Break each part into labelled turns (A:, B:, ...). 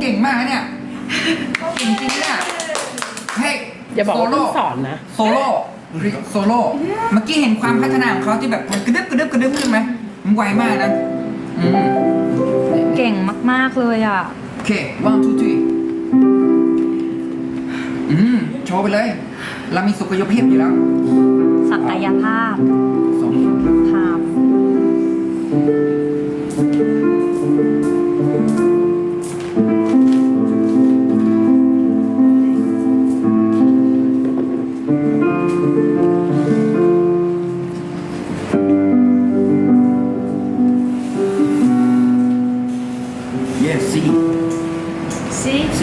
A: ก่งมากนะเนี่ยเก่งจริงเนี่ยเฮ้ย
B: อย่าบอกว่าต้องสอนนะ
A: โซโล่โซโล่เมื่อกี้เห็นความพัฒนาของเขาที่แบบมันกระดึบขึ้นไหมมันไวมากนะ
C: เก่งมากๆเลยอ่ะ
A: โอเค one two three โชว์ไปเลย เรามีสุขยภาพอยู่แล้ว
C: ศักยภาพ
A: สอง
C: ภาพ
A: yes C
D: See?
A: C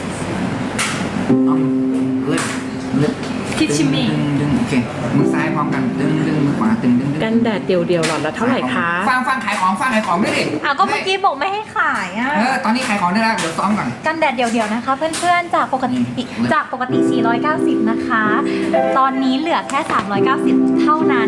A: left left
D: Teach me
A: ดึงโอเคมือซ้ายพร้อมกันดึงมือขวาดึง
B: กันแดดเดียวๆหลอดละเท่าไหร่คะ
A: ฟังขายของด้วยดิ
C: ก็เมื่อกี้บอกไม่ให้ขายอ่ะ
A: ตอนนี้ขายของได้แล้วเดี๋ยวซ้อมก่อน
C: กันแดดเดี่ยวๆนะคะเพื่อนๆจากปกติ 490 นะคะ ตอนนี้เหลือแค่ 390 เท่านั้น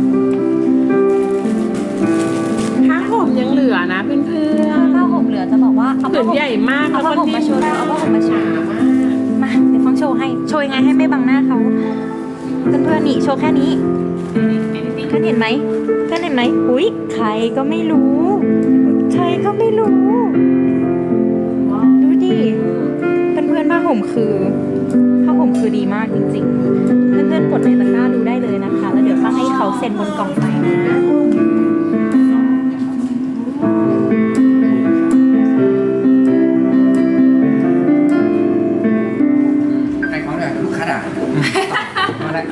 B: ผ้าห่มยังเหลือนะเพื่อน
C: ผ้าห่มเหลือจะบอกว่าเอา
B: ๆผื
C: ผ้าน ห่ม
B: ใหญ่มาก
C: เอาผ้าห่มมาโชว์
B: แล้ว
C: เอา
B: ก็
C: ผ้าห่มมาโชว์มาเดี๋ยวฟังโชว์ให้โชว์ยังไงให้ไม่บังหน้าเขาเพื่อนๆนี่โชว์แค่นี้เพื่อนเห็นไหมอุ๊ยใครก็ไม่รู้ดูดิเพื่อนๆผ้าห่มคือดีมากจริงๆเพื่อนๆกดในตะกร้าดูได้เลยนะคะ แล้วเดี๋ยวฟังให้เขาเซ็นบนกล่องไปนะ
A: ขายของเลยลูกค้าด่ามาแล้ว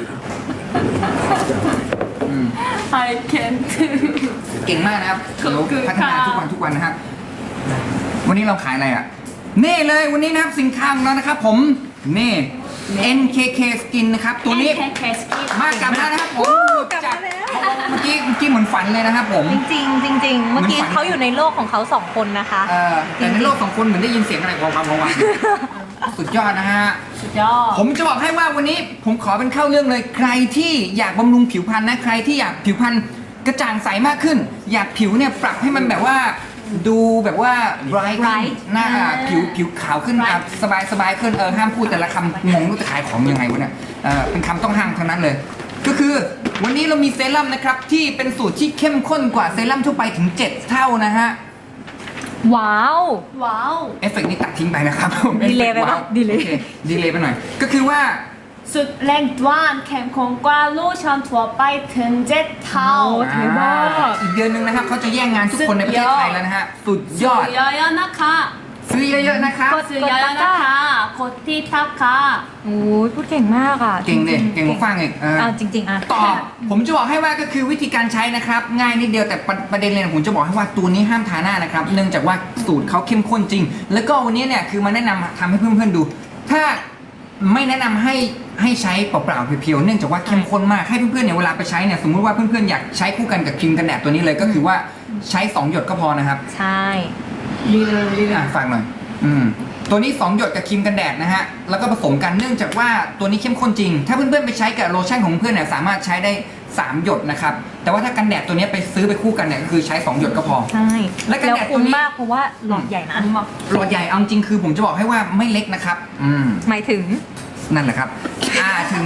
D: I can't
A: เก่งมากนะครับเดี๋ยวพัฒนาทุกวันนะครับ วันนี้เราขายอะไรอ่ะเน่เลยวันนี้นะครับสินค้าของเรานะครับผมเน่ NKK Skin นะครับตัวนี้
D: Can skip
A: มากลับมานะครับผม
C: กลับมาแล้ว
A: เมื่อกี้เหมือนฝันเลยนะครับผม
C: จริงๆเมื่อกี้เขาอยู่ในโลกของเขา2 คนนะคะ
A: แต่ในโลกของคนเหมือนได้ยินเสียงอะไรความสุดยอดนะฮะ
D: สุดยอด
A: ผมจะบอกให้ว่าวันนี้ผมขอเป็นเข้าเรื่องเลยใครที่อยากบำรุงผิวพรรณนะใครที่อยากผิวพรรณกระจ่างใสมากขึ้น อยากผิวเนี่ยปรับให้มันแบบว่าดูแบบว่า bright ขึ้น
C: Bright
A: หน้าผิวขาวขึ้นสบายขึ้นห้ามพูดแต่ละคำงงรู้จะขายของยังไงวะเนี่ยเป็นคำต้องห้ามทั้งนั้นเลย ก็คือวันนี้เรามีเซรั่มนะครับที่เป็นสูตรที่เข้มข้นกว่าเซรั่มทั่วไปถึง 7 เท่านะฮะ
C: ว้าว
D: ว้าว
A: เอฟเฟกต์นี้ตัดทิ้งไปนะครับ
C: ดีเลย์ไปปะ
A: ดีเลย์ดีเลย์ไปหน่อย ก็คือว่า
D: สุดแรงด้วนเข้มข้นกว่าโลชั่นทั่วไปถึง7 เท่า
B: ถือว่า
A: อีกเดือนหนึงนะครับเขาจะแย่งงานทุกคนในประเทศไทยแล้วนะฮะ สุดยอด
D: เยอะๆนะคะ
A: ซื้อเยอะๆนะครับ
D: ซื้อเยอะๆนะคะกดที่ทักค่ะ
C: โอ้ยพูดเก่งมากอ่ะ
A: เก่งเลยเก่งกว่าฟังอีก
C: เอาจริงๆอ่ะ
A: ต่อผมจะบอกให้ว่าก็คือวิธีการใช้นะครับ ง่ายนิดเดียวแต่ประเด็นเลยนะผมจะบอกให้ว่าตัวนี้ห้ามทาหน้านะครับ เนื่องจากว่าสูตรเขาเข้มข้นจริง แล้วก็วันนี้เนี่ยคือมาแนะนำทำให้เพื่อนๆดู ถ้าไม่แนะนำให้ใช้เปล่าๆเพียวๆเนื่องจากว่าเข้มข้นมากให้เพื่อนๆเนี่ยเวลาไปใช้เนี่ยสมมุติว่าเพื่อนๆอยากใช้คู่กันกับครีมกันแดดตัวนี้เลยก็คือว่าใช้2หยดก็พอนะครับ
C: ใช่
A: ฝากหน่อยตัวนี้2หยดกับครีมกันแดดนะฮะแล้วก็ผสมกันเนื่องจากว่าตัวนี้เข้มข้นจริง ถ้าเพื่อนๆไปใช้กับโลชั่นของเพื่อนเนี่ยสามารถใช้ได้3หยดนะครับแต่ว่าถ้ากันแดดตัวนี้ไปซื้อไปคู่กันเนี่ยก็คือใช้2หยดก็พอ
C: ใช่
A: และกันแดด
C: คุ้ม
A: ตัวนี้
C: มากเพราะว่าหลอดใหญ่นะ
A: หลอดใหญ่เอาจริงคือผมจะบอกให้ว่าไม่เล็กนะครับ
C: หมายถึง
A: นั่นแหละครับถึง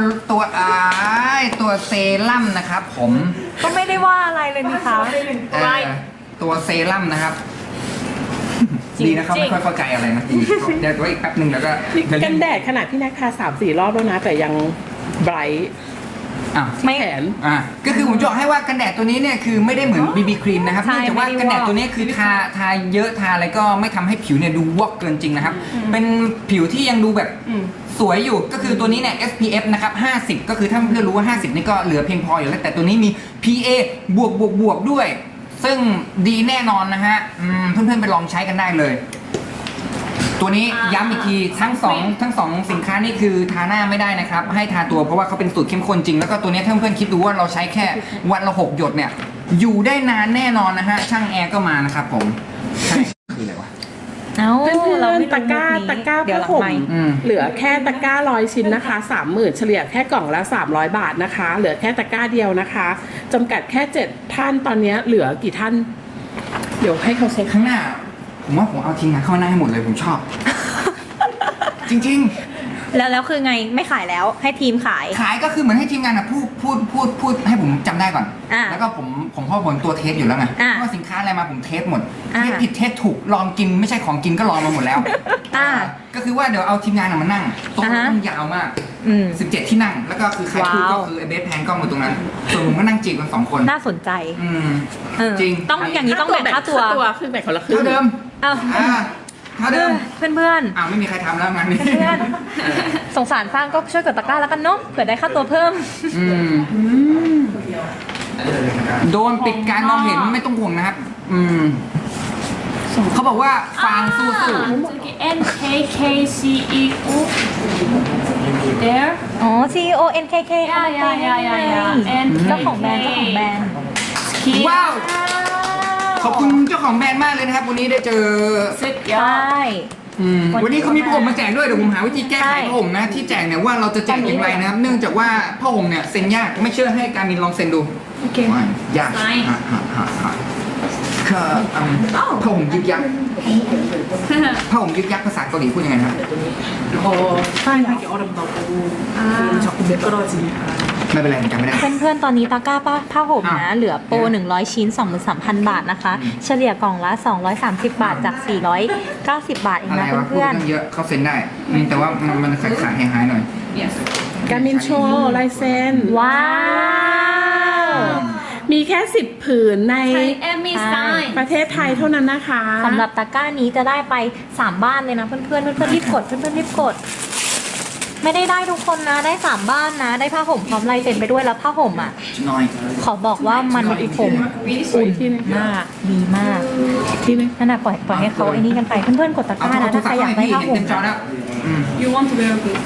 A: ตัวเซรั่มนะครับผม
C: ก็ไม่ได้ว่าอะไรเลยนี่คะ
A: ตัวเซรั่มนะครับดีนะครับไม่ค่อยเข้าใจอะไรนะเดี๋ยวอีกแป๊บนึงแล้วก็
B: กันแดดขนาดที่แน็กทา3-4 รอบแล้วนะ แต่ยังไบรท์
C: ไม่
B: แขน
A: ก็คือผมจะบอกให้ว่ากันแดดตัวนี้เนี่ยคือไม่ได้เหมือนบีบีครีมนะครับ
C: ใช่
A: เนื่องจากว่า
C: ไม่ได้
A: กันแดด
C: วอก
A: ตัวนี้คือทาเยอะทาอะไรก็ไม่ทำให้ผิวเนี่ยดูวอกเกินจริงนะครับ เป็นผิวที่ยังดูแบบสวยอยู่ก็คือตัวนี้เนี่ย SPF นะครับ50ก็คือถ้าเพื่อนรู้ว่า50นี่ก็เหลือเพียงพออยู่แล้วแต่ตัวนี้มี PA บวกด้วย ซึ่งดีแน่นอนนะฮะเพื่อนๆไปลองใช้กันได้เลย ตัวนี้ย้ำอีกทีทั้งสองสินค้านี่คือทาหน้าไม่ได้นะครับให้ทาตัวเพราะว่าเขาเป็นสูตรเข้มข้นจริงแล้วก็ตัวนี้ถ้าเพื่อนๆคิดดูว่าเราใช้แค่วันละ6หยดเนี่ยอยู่ได้นานแน่นอนนะฮะช่างแอร์ก็มานะครับผมใช่คืออะไรวะ
C: เอ้า
B: เพื่อน
C: เรา
B: ๆ
C: ไม่
B: ตะกร้า
C: รู้มุนี้เดี๋ยวหลัง
B: ผ้าห่ม
C: ไมค์
B: เหลือแค่ตะกร้า100 ชิ้นนะคะ 30,000 เฉลี่ยแค่กล่องละ300 บาทนะคะ เหลือแค่ตะกร้าเดียวนะคะจำกัดแค่7ท่านตอนนี้เหลือกี่ท่าน เดี๋ยวให้เขาเช็ค
A: ข้างหน้าผมว่าผมเอาทีมงานเข้ามานั่งให้หมดเลยผมชอบ จริง
C: แล้วคือไงไม่ขายแล้วให้ทีมขาย
A: ๆ ขายก็คือเหมือนให้ทีมงานอะพูดให้ผมจำได้ก่อน
C: อ่า
A: แล้วก็ผมพ่อผมตัวเทสอยู่แล้วไง
C: อ่า
A: ว่าสินค้าอะไรมาผมเทสหมด
C: อ่า
A: เทสผิดเทสถูกลองกินไม่ใช่ของกินก็ลองมาหมดแล้ว
C: อ่า
A: ก็คือว่าเดี๋ยวเอาทีมงานมานั่งโต๊ะ
C: อ่าฮะ
A: ต้องยาวมาก
C: อืม
A: 17 ที่นั่ง แล้วก็คือใครพูดก็
C: ว้าว
A: คือไอเบสแพนกล้องอยู่ตรงนั้น ส่วนผมก็นั่งจีบกัน2 คน
C: น่าสนใจ
A: อืม
C: เออ
A: จริง
C: ต้องอย่างนี้ต้องแบ่งค่าตัว
B: คือแบ่งคนละครึ่ง
A: เท่าเดิม
C: เอ้า
A: เท่าเดิม
C: เพื่อน
A: อ้าวไม่มีใครทำแล้วงานนี้
C: เพื่อนสงสารฟางก็ช่วยกดตะกร้าแล้วกันเนาะเผื่อได้ค่าตัวเพิ่ม
A: อืมโดนปิดการมองเห็นไม่ต้องห่วงนะครับ อืมเขาบอกว่าฟางสู้
D: 저기 NKKCEO there
C: อ๋อ CEO NKK
D: ยา
C: เจ้าของแบรนด์เจ้าของแบรนด์
A: ๆว้าว ขอบคุณเจ้าของแบรนด์มากเลยนะครับ วันนี้ได้เจอ
C: ใช่
A: วันนี้เขามีผ้าห่มมาแจกด้วยเดี๋ยวผมหาวิธีแก้ไขผ้าห่มนะที่แจกเนี่ยว่าเราจะแจกอย่างไรนะครับ เนื่องจากว่าผ้าห่มเนี่ยเซ็นยากไม่เชื่อให้การมินลองเซ็นดู
D: โอเค
A: ว่ายากคือผ้าห่มยึกยักผ้าห่มยึกยักภาษาเกาหลีพูดยังไงครับ
B: 사용하기 어렵다고 자꾸 미끄러지니까
A: ไม่เป็นไรผมจำไม่ได้
C: เพื่อนๆ ตอนนี้ตะกร้าผ้าห่มนะ
A: อ่ะ
C: เหลือโปร 100 ชิ้น 23,000 บาทนะคะ เฉลี่ยกล่องละ 230 บาทจาก 490 บาทเอง
A: อะไร
C: นะ
A: วะพูด
C: เพื่อน
A: ตั้งเยอะเขาเซ็นได้แต่ว่ามันขาดหายหน่อย
D: yes
B: 가민โชว์ลายเซ็น
C: ๆ ว้าว
B: มีแค่ 10 ผืนใน
D: Thai Emmy sign
B: ประเทศไทยเท่านั้นนะคะ
C: สำหรับตะกร้านี้จะได้ไป 3 บ้านเลยนะเพื่อนๆรีบกดเพื่อนๆรีบกด ไม่ได้ทุกคนนะได้ 3 บ้านนะ ได้ผ้าห่มพร้อมลายเซ็นไปด้วยแล้วผ้าห่มอ่ะ
A: น้อย
C: ขอบอกว่ามันผมอุ่นมากดีมาก
B: ที่นึง
C: นั่นน่ะปล่อยให้เขาไอ้นี่กันไปเพื่อนๆกดตะก
A: เอา
C: ร้านะ
A: โทร
C: ถ้าใค
A: ศั
C: ร
A: พท์
C: อยาก
A: ให้
C: ได้
A: พี่
C: ผ้า
A: เห็น
C: ห่ม
A: เต็มจอแล้ว
D: you want to wear this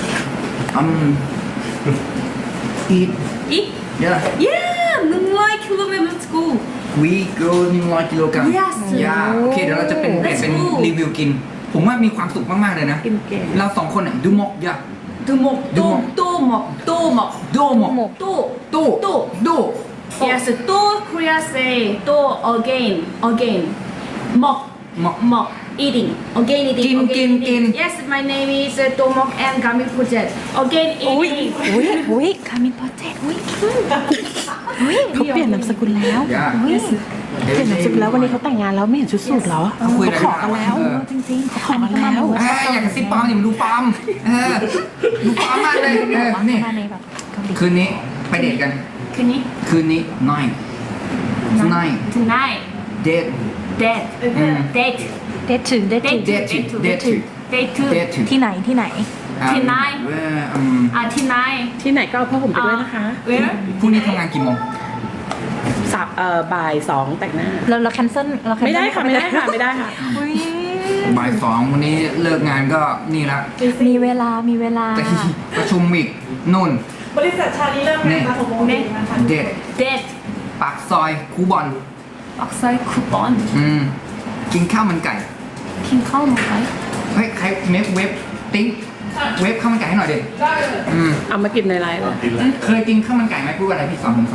A: อีท
D: eat
A: เยอะ
D: yeah moonlight kilometer let's go
A: วีเกิน100 กิโลกรัม
D: Yes
A: ยาโอเคเดี๋ยวเราจะเป็น
D: Let's
A: เป็น
D: go
A: รีวิวกิน ผมว่ามีความสุขมากๆเลยนะ
B: กินเก่ง
A: เรา2 คนดูมกยา
D: 두목 또목
A: โดมก
D: 또
A: ตู้ดู
D: yes 또 Korea say 또 again 먹
A: 먹
D: eating again eating
A: 긴,
D: again
A: 긴.
D: eating yes my name is 또먹 and 가민 project again
C: อุ้ย
D: eating
C: อุ้ยคามินโปรเจกต์อุ้ยเขาเปลี่ยนนามสกุลแล้ว
A: ยา
C: อุ้ย
B: เปลี่ยนนามสกุลแล้ววันนี้เขาแต่งงานแล้วไม่เห็นชุดสูทแล้ว
A: เขาคุยอะไร
B: ขอกันแล้ว
C: จริงๆเขาขอมาแล้ว
A: อยากกระซิบปลอมอย่ามาดูปลอมดูปลอมมากเลยนี่
C: มาในแบบเกาหลี
A: คืนนี้ไปเดทกัน
D: 그니
A: คืนนี้น้อยน้อย
D: tonight
A: เดท
D: date date
C: เดทถึง
A: Date to
D: date
A: date to
C: ที่ไหน
D: Tonight 아 tonight
B: ที่ไหนก็เอาผ้าห่มไปด้วยนะคะ
D: where
A: พรุ่งนี้ทำงานกี่โมง
B: บ่าย 2 แต่งหน้า
C: เราแคนเซิล
B: ไม่ได้ค่ะ ไม่ได้ค่ะ ไม่ได้ค่ะ
A: บ่าย 2วันนี้เลิกงานก็นี่ละ
C: มีเวลา
A: ไปประชุมอีกนู่น
E: บริษัทชาลีเริ่มงานมา6 โมงเย็นนะคะ
A: เดท
D: date
A: ปากซอยคูบอล
D: 박사의 쿠폰
A: กินข้าวมันไก่
D: 킹카우 먹어요?
A: เฮ้ยใครเมฟเว็บติ้งเว็บข้าวมันไก่ให้หน่อยดิ
B: เอามากินในไลน์เลย
A: เคยกินข้าวมันไก่ไหมพูดอะไรพี่สอนผม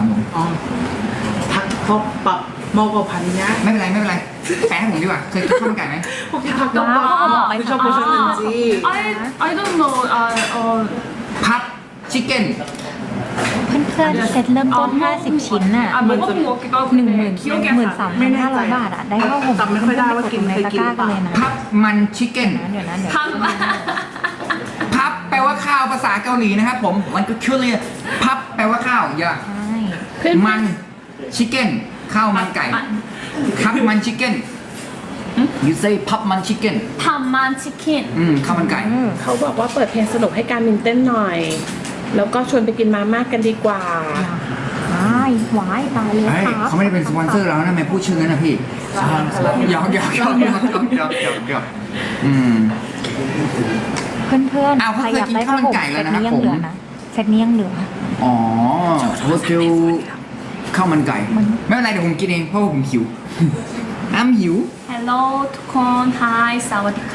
E: 닭덮밥 먹어봤냐?
A: ไม่เป็นไรแปลให้ผมดีกว่าเคยกินข้าวมันไก่ไหม
E: 혹시
C: 아,
E: 닭덮밥 드셔보셨는지?
D: I don't know.
A: พับชิคเก้น
C: เพื่อนๆเซ็ตเริ่มต้น 50 ชิ้นน่ะ
D: 먹어본 것 같기도 하고.
C: 13,500 บาทอ่ะ ได้ผ้าห่ม
E: จำไม่ค่อยได้ว่ากิน
C: ใน
E: เคย
C: ตะ
E: กิ
C: ก
E: น
C: ร้า
E: หรือเป
C: กัน
E: ล่า
C: เลยนะ
A: พับมันชิคเก้น
C: เดี๋ยวนะ
A: พับแปลว่าข้าวภาษาเกาหลีนะครับผมมันก็คือเรียกพับแปลว่าข้าวอย่า
C: ใช่
A: มันชิคเก้นข้าวมันไก่พับมันชิคเก้น you say พับมันชิคเก้น
D: 밥만 치킨.
A: ข้าวมันไก่
B: เขาบอกว่าเปิดเพลงสนุกให้การมินเต้นหน่อย แล้วก็ชวนไปกินมาม่ากันดีกว่า
C: หวายตายเลย
A: เฮ้ย
C: ครับ
A: เขาไม่ได้เป็นสปอนเซอร์เรานะไม่พูดชื่อนั้นนะพี่หยอก
C: เพื่อน
A: อ้าว
C: ๆ
A: เขา
C: ใคร
A: เคย
C: อยาก
A: กิน
C: ได้
A: ข้า
C: ผ้าว
A: มัน
C: ห่ม
A: ไก่แล้
C: เซ
A: ว
C: ต
A: นะครับ
C: นี้ยัง
A: ผม
C: เหลือนะเซตนี้ยังเหลือ
A: อ๋อโฮสเทลข้าวมันไก่ไม่เป็นไรเดี๋ยวผมกินเองเพราะว่าผมหิวอ้ำหิว
D: Hello, 투콘. Hi, 사와디카.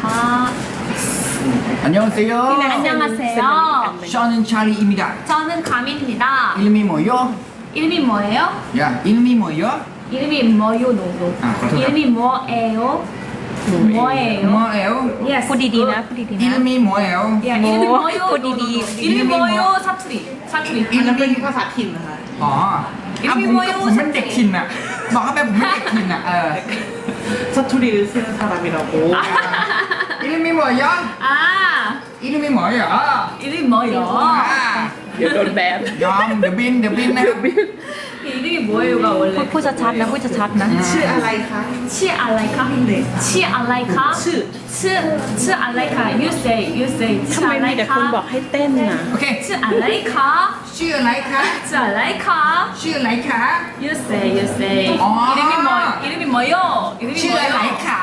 A: 안녕하세요
D: 안녕하세요.
A: 저는 찰리입니다
D: 저는 가민입니다.
A: 이름이 뭐요?
D: 이름이 뭐예요?
A: 야 이름이 뭐요?
D: 이름이 뭐요, 노노.
A: 아, 감사합니다.
D: 이름이 뭐예요? 뭐예요?
A: หมอเอล
D: Yes.
C: พูดดีๆนะพูดดีๆ
A: อิ
C: นะ
A: ลมีหมอเอล
D: 야, 이름이 뭐요?
C: พูดดี
D: 이름이 뭐요? 사투리. 사투리.
A: อิ
E: อัน
A: ล
E: นั้น
A: มี
E: เป็นภาษาถิ่นนะคะ
A: อ๋อ
D: อิลมี
A: ผม
D: โมโย
A: ผมเป็นเด็กถิ่นอ่ะบอกเขาไปผมเป็นเด็กถิ่นอ่ะ
E: 사투리를 쓰는 사람이라고.
A: อิลมีหมอเอล
D: 아,
A: อิลมีหมอเอล
D: 이름이 뭐요?
B: เดี๋ยวโดนแบน
A: ยอมเดี๋ยวบินนะครับ
D: 이름이 뭐예요가
C: ๆ
D: 원래
C: พูดชัดๆนะพูดชัดๆนะ
E: ชื่ออะไรคะ
D: 치알라이카?
E: 네.
D: 치알라이카? 치알라이카. You say
B: ทำไมมีแต่คนบอก
D: 치알라이카.
B: ให้เต้นน่ะ
A: โอเค
D: 치알라이카.
A: ชื่ออะไรคะ
D: 치알라이카.
A: ชื่ออะไรคะ
D: You say.
A: 어.
D: 이름이 뭐요? 이름이
A: ชื่ออะไร
D: 뭐요?
A: ขา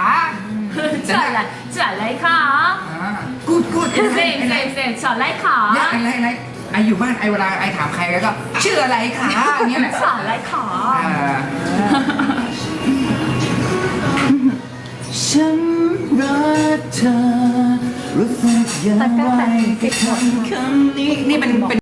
D: 치알라이카.
A: กูด
D: 쌤, 치알라이카.
A: อะไรไออยู่บ้านไอเวลาไอถามใครแล้วก็ชื่ออะไรขาอย่างเงี้ยแหละ
D: 치알라이카.
A: ฉันรักเธอรู้สึกอย่างไรกับคำนี้นี่เป็น